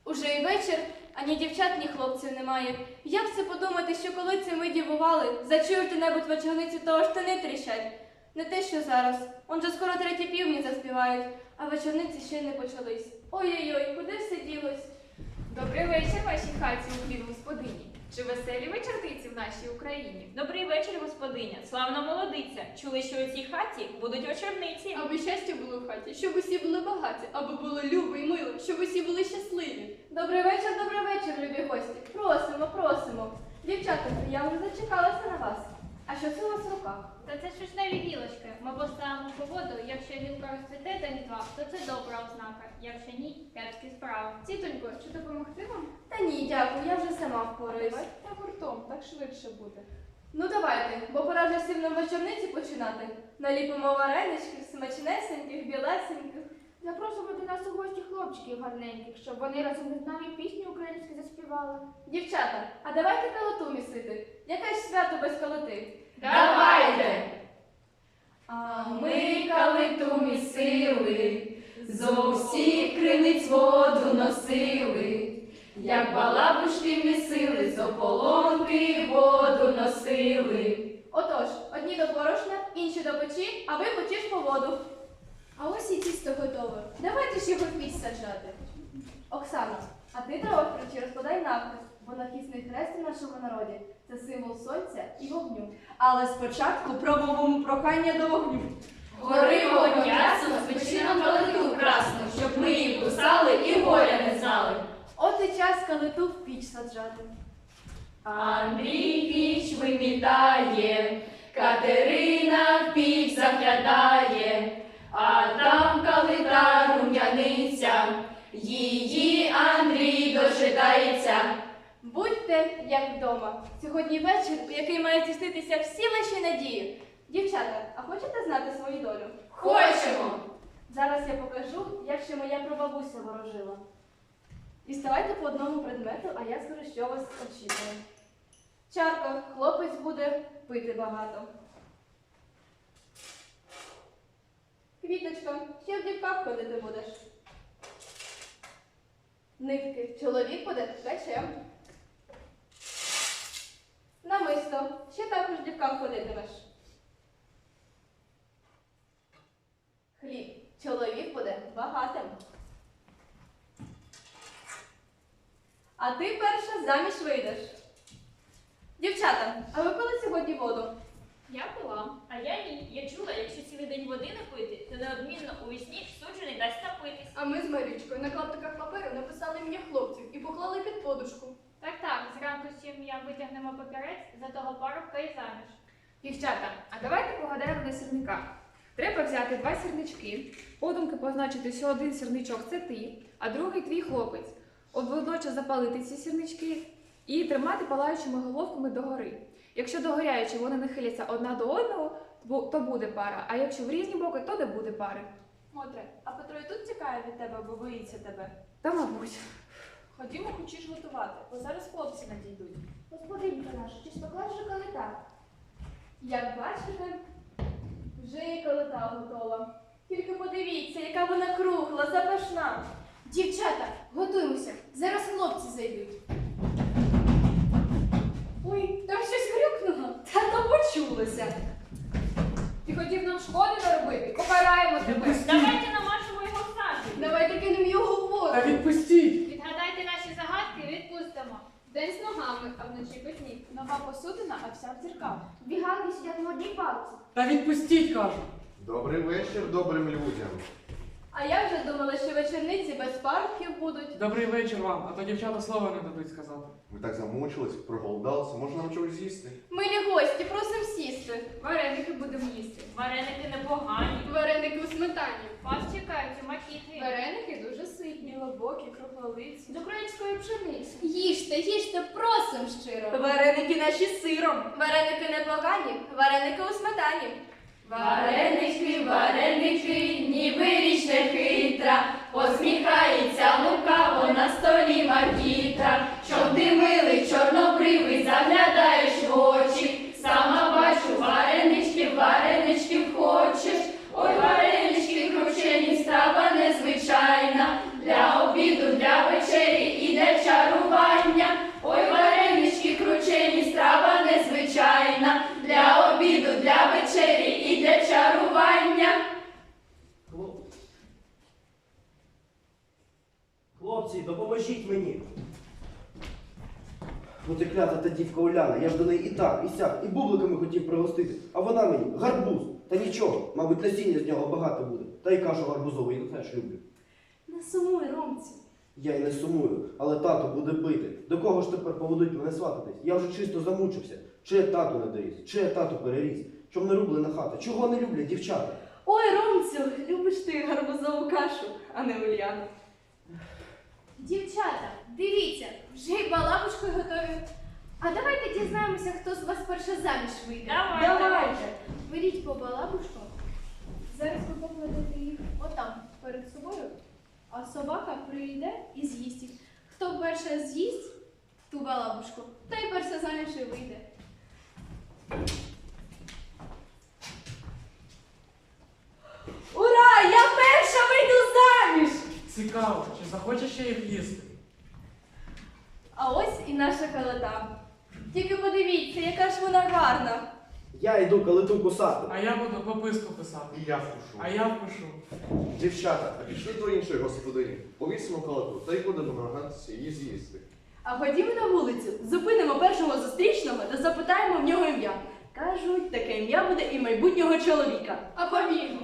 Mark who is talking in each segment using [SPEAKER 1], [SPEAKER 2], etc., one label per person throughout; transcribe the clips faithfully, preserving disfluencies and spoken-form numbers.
[SPEAKER 1] Уже і вечір, ані дівчат, ні хлопців немає. Як це подумати, що коли це ми дівували, зачуєте небудь вечорниці, то аж штани тріщать. Не те, що зараз. Он же скоро треті півні заспівають, а вечорниці ще й не почались. Ой-ой-ой, куди все ділось?
[SPEAKER 2] Добрий вечір вашій хаті, уклін господині. Чи веселі вечорниці в нашій Україні?
[SPEAKER 3] Добрий вечір, господиня. Славна молодиця. Чули, що у цій хаті будуть вечорниці.
[SPEAKER 4] Аби щастя було в хаті, щоб усі були багаті, аби було любо і мило, щоб усі були щасливі.
[SPEAKER 1] Добрий вечір, добрий вечір, любі гості. Просимо, просимо. Дівчата, я вже зачекалася на вас. А що це у вас в руках?
[SPEAKER 5] Та це шишневі гілочки. Ми поставимо по воду. Якщо гілка розцвіте до різдва, то це добра ознака. Якщо ні, кепські справи.
[SPEAKER 4] Тітонько, чи допомогти вам?
[SPEAKER 1] Та ні, дякую, я вже сама впораюсь.
[SPEAKER 4] Давайте гуртом, так швидше буде.
[SPEAKER 1] Ну давайте, бо пора вже всім нам вечорниці починати. Наліпимо вареничків, смачнесеньких, білесеньких.
[SPEAKER 6] Запрошуємо до нас у гості хлопчиків гарненьких, щоб вони разом з нами пісні українські заспівали.
[SPEAKER 1] Дівчата, а давайте калоту місити. Яке ж свято без калоти?
[SPEAKER 2] Давайте!
[SPEAKER 7] А ми калиту місили, зо всіх криниць воду носили, як балабушки місили, з ополонки воду носили.
[SPEAKER 1] Отож, одні до борошна, інші до печі, а ви хочеш по воду.
[SPEAKER 4] А ось і тісто готове. Давайте ж його в піч саджати.
[SPEAKER 1] Оксано, а ти дрова в печі розкладай навпіл, бо нахисний хрест у нашому народі – це символ сонця і вогню.
[SPEAKER 7] Але спочатку промовимо прохання до вогню.
[SPEAKER 2] Гори вогонь ясно, спечи нам калиту красну, щоб ми її кусали і горя не знали.
[SPEAKER 1] От і час калиту в піч саджати.
[SPEAKER 7] Андрій піч вимітає, Катерина в піч заглядає, а там калита рум'яниця, її Андрій дожидається.
[SPEAKER 1] Будьте як вдома. Сьогодні вечір, у який мають здійснитися всі ваші надії. Дівчата, а хочете знати свою долю?
[SPEAKER 2] Хочемо!
[SPEAKER 1] Зараз я покажу, як ще моя прабабуся ворожила. Діставайте по одному предмету, а я скажу, що вас очікує. Чарка, хлопець буде пити багато. Квіточка, ще в дівках ходити будеш. Нитки, чоловік буде ткачем. Намисто, ще також в дівках ходитимеш. Хліб, чоловік буде багатим. А ти перша заміж вийдеш. Дівчата, а ви пили сьогодні воду?
[SPEAKER 3] Я пила, а я ні. Я чула, якщо цілий день води не пити, то неодмінно у вісні суджений дасть напитись.
[SPEAKER 4] А ми з Марічкою на клаптиках паперу написали ім'я хлопців і поклали під подушку.
[SPEAKER 5] Так, так, зранку з сім'я витягнемо папірець, за того парубка і заміж.
[SPEAKER 2] Дівчата, а давайте погадаємо на сірниках. Треба взяти два сірнички, подумки позначити, що один сірничок – це ти, а другий – твій хлопець. От водночас запалити ці сірнички і тримати палаючими головками догори. Якщо догоряючи вони нахиляться одна до одного, то буде пара, а якщо в різні боки, то не буде пари.
[SPEAKER 1] Мотре, а Петро і тут тікає від тебе, бо боїться тебе.
[SPEAKER 2] Та мабуть.
[SPEAKER 1] Ходімо, хочеш готувати, бо зараз хлопці надійдуть.
[SPEAKER 6] Господинка наша, чи спекла вже калита?
[SPEAKER 1] Як бачите, вже і калита готова. Тільки подивіться, яка вона кругла, запашна.
[SPEAKER 4] Дівчата, готуємося. Зараз хлопці зайдуть. Ой, там щось грюкнуло.
[SPEAKER 7] Та то почулося.
[SPEAKER 2] Ти хотів нам шкоди наробити? Покараємо тебе.
[SPEAKER 3] Давайте намажемо його сажею.
[SPEAKER 4] Давайте кинемо його в воду.
[SPEAKER 8] Та відпустіть!
[SPEAKER 5] Відгадайте наші загадки і відпустимо.
[SPEAKER 4] День з ногами, а вночі петні.
[SPEAKER 1] Нова посудина, а вся в дзеркалах.
[SPEAKER 6] Біганки сидять в одній палці.
[SPEAKER 8] Та відпустіть, кажу!
[SPEAKER 9] Добрий вечір добрим людям.
[SPEAKER 1] А я вже думала, що вечорниці без парубків будуть.
[SPEAKER 8] Добрий вечір вам, а то дівчата слова не дадуть сказати.
[SPEAKER 9] Ми так замучились, проголодалися, може нам чогось з'їсти?
[SPEAKER 1] Милі гості, просим сісти.
[SPEAKER 4] Вареники будемо їсти.
[SPEAKER 3] Вареники непогані.
[SPEAKER 4] Вареники у сметані.
[SPEAKER 5] Вас чекають у макітрі.
[SPEAKER 4] Вареники дуже ситні.
[SPEAKER 1] Глибокі, круглолиці.
[SPEAKER 6] З української пшениці.
[SPEAKER 4] Їжте, їжте, просим щиро.
[SPEAKER 7] Вареники наші з сиром.
[SPEAKER 1] Вареники непогані, вареники у сметані.
[SPEAKER 7] Варенички, варенички, ніби річ не хитра, посміхається лукаво на столі макітра, щоб димили чорнобривий, заглядаєш в очі, сама бачу варенички, варенички хочеш, ой, варенички кручені, страва незвичайна, для обіду, для вечері і
[SPEAKER 10] Хлопці, допоможіть мені. Ну ти клята та дівка Уляна, я ж до неї і так, і сяк, і бубликами хотів пригостити, а вона мені гарбуз. Та нічого, мабуть, насіння з нього багато буде. Та й кашу гарбузову я теж люблю.
[SPEAKER 4] Не сумуй, Ромцю.
[SPEAKER 10] Я й не сумую, але тато буде бити. До кого ж тепер поведуть мене свататись? Я вже чисто замучився. Чи я тату не доріс, чи я тату переріс. Чом не рублена хата? Чого не люблять дівчата?
[SPEAKER 4] Ой, Ромцю, любиш ти гарбузову кашу, а не Ульяну.
[SPEAKER 6] Дівчата, дивіться, вже й балабушкою готові. А давайте дізнаємося, хто з вас перше заміж вийде.
[SPEAKER 3] Давай,
[SPEAKER 4] Давайте.
[SPEAKER 6] Беріть по балабушку. Зараз ви покладете їх отам перед собою, а собака прийде і з'їсть їх. Хто перше з'їсть ту балабушку, той перше заміж і вийде.
[SPEAKER 4] Ура! Я перша вийду заміж!
[SPEAKER 8] Цікаво, чи захочеш ще їх їсти?
[SPEAKER 1] А ось і наша калита. Тільки подивіться, яка ж вона гарна.
[SPEAKER 10] Я йду калиту кусати.
[SPEAKER 8] А я буду пописку писати.
[SPEAKER 9] І я впишу.
[SPEAKER 8] А я впишу.
[SPEAKER 9] Дівчата, а пішли до іншої господині. Повісимо калату, та й будемо намагатися її з'їсти.
[SPEAKER 4] А ходімо на вулицю, зупинимо першого зустрічного та запитаємо в нього ім'я. Кажуть, таке ім'я буде і майбутнього чоловіка.
[SPEAKER 6] А побігли.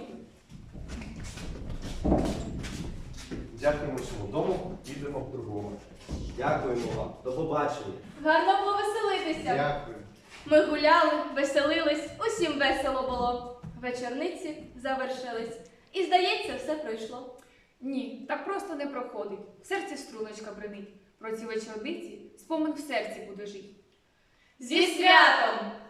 [SPEAKER 9] Дякуємо цьому дому, підемо в другому.
[SPEAKER 10] Дякуємо вам. До побачення.
[SPEAKER 1] Гарно повеселитися.
[SPEAKER 9] Дякую.
[SPEAKER 1] Ми гуляли, веселились, усім весело було. Вечорниці завершились. І, здається, все пройшло.
[SPEAKER 2] Ні, так просто не проходить. В серці струночка бринить. Про ці вечорниці спомин в серці буде жити.
[SPEAKER 1] Зі святом!